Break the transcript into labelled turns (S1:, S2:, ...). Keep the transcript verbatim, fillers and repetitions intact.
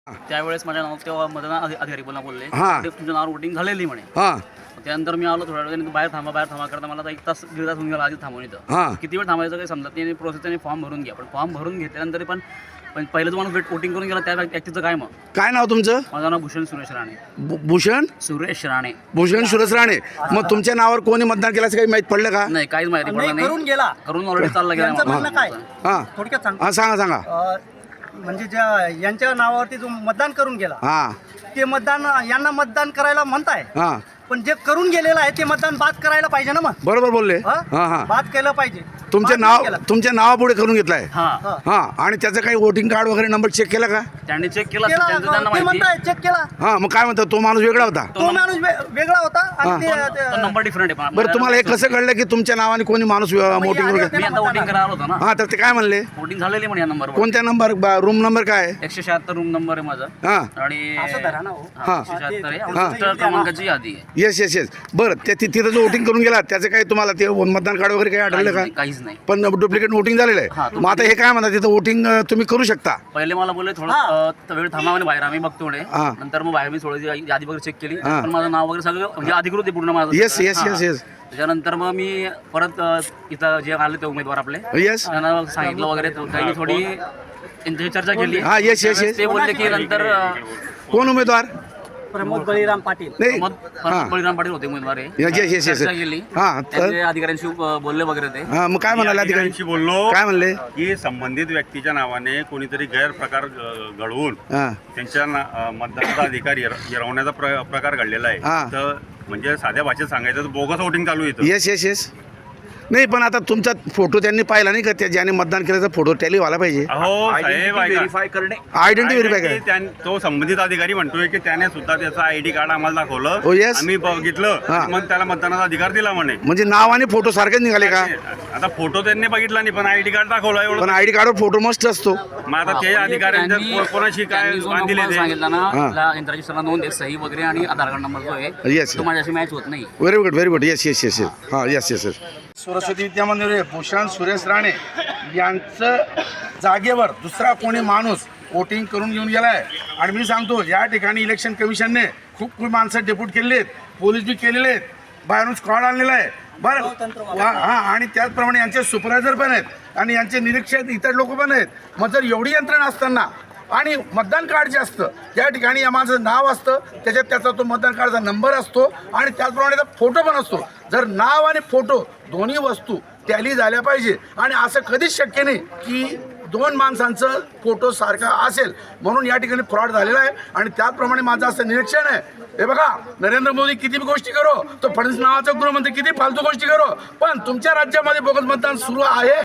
S1: त्यावेळेस माझ्या नाव तेव्हा मतदान अधि- अधिकारी बोलला बोलले
S2: हां.
S1: ते तुमच्या नावावर वोटिंग झालेली म्हणे.
S2: हां
S1: त्यानंतर मी आलो थोड्या वेळ बाहेर थांबा बाहेर थांबा करता मला आता एक तास दीड तास होऊन गेला आधी थांबून इथं.
S2: हां
S1: किती वेळ थांबायचं काही समजत नाही. प्रोसेस त्याने फॉर्म भरून घ्या पण फॉर्म भरून घेतल्यानंतर पण पण पहिलं जो माणूस वोटिंग करून गेला त्या व्यक्तीचं काय मग.
S2: काय नाव तुमचं?
S1: माझं नाव भूषण सुरेश राणे.
S2: भू- भूषण
S1: सुरेश राणे.
S2: भूषण सुरेश राणे. मग तुमच्या नावावर कोणी मतदान केल्याचं काही माहीत पडलं का?
S1: नाही काहीच माहिती पडलं
S3: नाही, करून
S1: नाही.
S3: गेला.
S1: करून ऑलरेडी चालला गेला
S3: यांचं म्हणणं काय?
S2: हां
S3: थोडक्यात सांग.
S2: हां सांगा सांगा.
S3: अ, म्हणजे ज्या यांच्या नावावरती जो मतदान करून गेला
S2: हां
S3: ते मतदान यांना मतदान करायला म्हणताय,
S2: हां
S3: पण जे करून गेलेलं आहे ते मतदान बाद करायला पाहिजे ना मग.
S2: बरोबर बोलले.
S3: हा?
S2: हां हां
S3: बाद केलं पाहिजे.
S2: तुमचे
S3: बाद
S2: नाव
S3: नाही केलं.
S2: तुमच्या नावापुढे करून घेतलाय.
S1: हा
S3: हा.
S2: हां आणि त्याचं काही वोटिंग कार्ड वगैरे नंबर चेक केला का?
S1: त्यांनी चेक केला
S3: केला,
S1: त्यांचं त्यांना
S3: ते
S1: माहिती.
S3: म्हणताय चेक केला.
S2: हां मग काय म्हणतात तो माणूस वेगळा होता?
S3: तो माणूस वे- वेगळा होता
S2: हा.
S3: आणि ते- ते-
S1: तो नंबर डिफरंट आहे.
S2: बरं तुम्हाला हे कसं कळलं की तुमच्या नावाने कोणी माणूस वोटिंग करून
S3: आले
S2: घेतला?
S1: मी आता वोटिंग करायला आलो होतो ना.
S2: हां तर ते काय म्हणले?
S1: वोटिंग झालेली म्हणे या नंबरवर.
S2: कोणत्या नंबर रूम नंबर काय आहे?
S1: एकशे शहात्तर रूम नंबर आहे माझा.
S2: हां
S1: आणि
S3: असं धरा ना हो.
S1: हा, एकशे शहात्तर आहे.
S2: हा.
S1: आणि क्रमांकाची यादी आहे.
S2: येस येस येस बरं त्या ति- तिथं जो वोटिंग करून गेला त्याचं काही तुम्हाला ते मतदान कार्ड वगैरे काही आढळलं
S1: काहीच
S2: का?
S1: नाही, काहीच नाही.
S2: पण डुप्लिकेट वोटिंग झालेलं
S1: हा,
S2: आहे. मग आता हे काय म्हणतात तिथं वोटिंग तुम्ही करू शकता?
S1: पहिले मला बोलले थोडं अ, वेळ थांबा म्हणे बाहेर आम्ही बघतो म्हणे.
S2: हा.
S1: नंतर मग बाहेर मी थोडी यादी वगैरे चेक केली
S2: हा.
S1: पण माझं नाव वगैरे सगळं म्हणजे अधिकृत आहे पूर्ण माझं.
S2: येस येस
S1: हा.
S2: येस येस
S1: त्याच्यानंतर मग मी परत अ, इथं जे आले ते उमेदवार आपले
S2: येस
S1: त्यांना सांगितलं वगैरे तर त्यांनी थोडी त्यांची चर्चा केली.
S2: हा, yes, yes, yes.
S1: ते बोलले की नंतर अ,
S2: कोण उमेदवार?
S3: प्रमोद बळीराम पाटील.
S2: नाही
S1: मग
S2: हा.
S1: बळीराम पाटील होते उमेदवार आहे.
S2: Yes, yes, yes, yes.
S1: चर्चा केली.
S2: हा, तर-
S1: त्यांचे अधिकाऱ्यांशी अ, बोलले वगैरे ते.
S2: हां मग काय म्हणाले अधिकारी?
S4: अधिकाऱ्यांशी बोललो
S2: काय म्हणले?
S4: की संबंधित व्यक्तीच्या नावाने कोणीतरी गैरप्रकार अ, घडवून
S2: हां
S4: त्यांच्या ना- अ, मतदानाचा अधिकार हिर- हिरावण्याचा प्र- प्रकार घडलेला आहे.
S2: हा.
S4: तर म्हणजे साध्या भाषेत सांगायचं तर बोगस वोटिंग चालू येतं.
S2: येस येस येस नाही पण आता तुमचा फोटो त्यांनी पाहिला नाही का? त्या ज्याने मतदान केल्याचा फोटो टॅली व्हायला पाहिजे.
S4: अहो साहेब
S1: व्हेरीफाय करणे.
S2: आयडेंटिटी व्हेरीफाय
S4: Identity
S2: करा.
S4: त्यां- तो संबंधित अधिकारी म्हणतोय की त्याने सुद्धा त्याचा आयडी कार्ड आम्हाला
S2: Oh,
S4: दाखवलं.
S2: yes.
S4: आम्ही बघितलं
S2: हा.
S4: मग त्याला मतदानाचा अधिकार दिला म्हणे.
S2: म्हणजे नाव आणि फोटो सारखेच निघाले का?
S4: आता फोटो त्यांनी बघितला नाही पण आयडी कार्ड दाखवला एवढं.
S2: पण आयडी कार्डवर फोटो मस्त असतो.
S4: मग आता ते अधिकाऱ्यांच्या
S1: त्यांनी-
S4: को- कोणाशी काय
S1: त्यांनी जो
S4: बांधिले
S1: नंबर
S4: ते
S1: सांगितला ना
S2: हा.
S1: आपला इंटरव्ह्यू नोंद आहे सही वगैरे आणि आधार कार्ड नंबर जो आहे
S2: Yes.
S1: तो माझ्याशी मॅच होत नाही.
S2: Very good very good yes yes yes yes हां yes yes yes Saraswati Vidya Mandir Bhushan Suresh Rane यांचं जागेवर दुसरा कोणी माणूस वोटिंग करून घेऊन गेला आहे. आणि मी सांगतो या ठिकाणी इलेक्शन कमिशनने खूप खूप माणसं डेप्यूट केलेले आहेत, पोलीस बी केलेले आहेत, बाहेरून स्क्वॉड आणलेला आहे बरं हां आणि त्याचप्रमाणे यांचे सुपरवायझर पण आहेत आणि यांचे निरीक्षक इतर लोक पण आहेत. मग जर एवढी यंत्रणा असताना आणि मतदान कार्ड जे असतं त्या ठिकाणी या माझं नाव असतं, त्याच्यात त्याचा तो मतदान कार्डचा नंबर असतो आणि त्याचप्रमाणे त्याचा फोटो पण असतो. जर नाव आणि फोटो दोन्ही वस्तू टॅली झाल्या पाहिजे आणि असं कधीच शक्य नाही की दोन माणसांचं फोटो सारखा असेल. म्हणून या ठिकाणी फ्रॉड झालेला आहे आणि त्याचप्रमाणे माझं असं निरीक्षण आहे. हे बघा नरेंद्र मोदी किती बी गोष्टी करो, तो फडणवीस नावाचा गृहमंत्री किती फालतू गोष्टी करो, पण तुमच्या राज्यामध्ये बोगस मतदान सुरू आहे.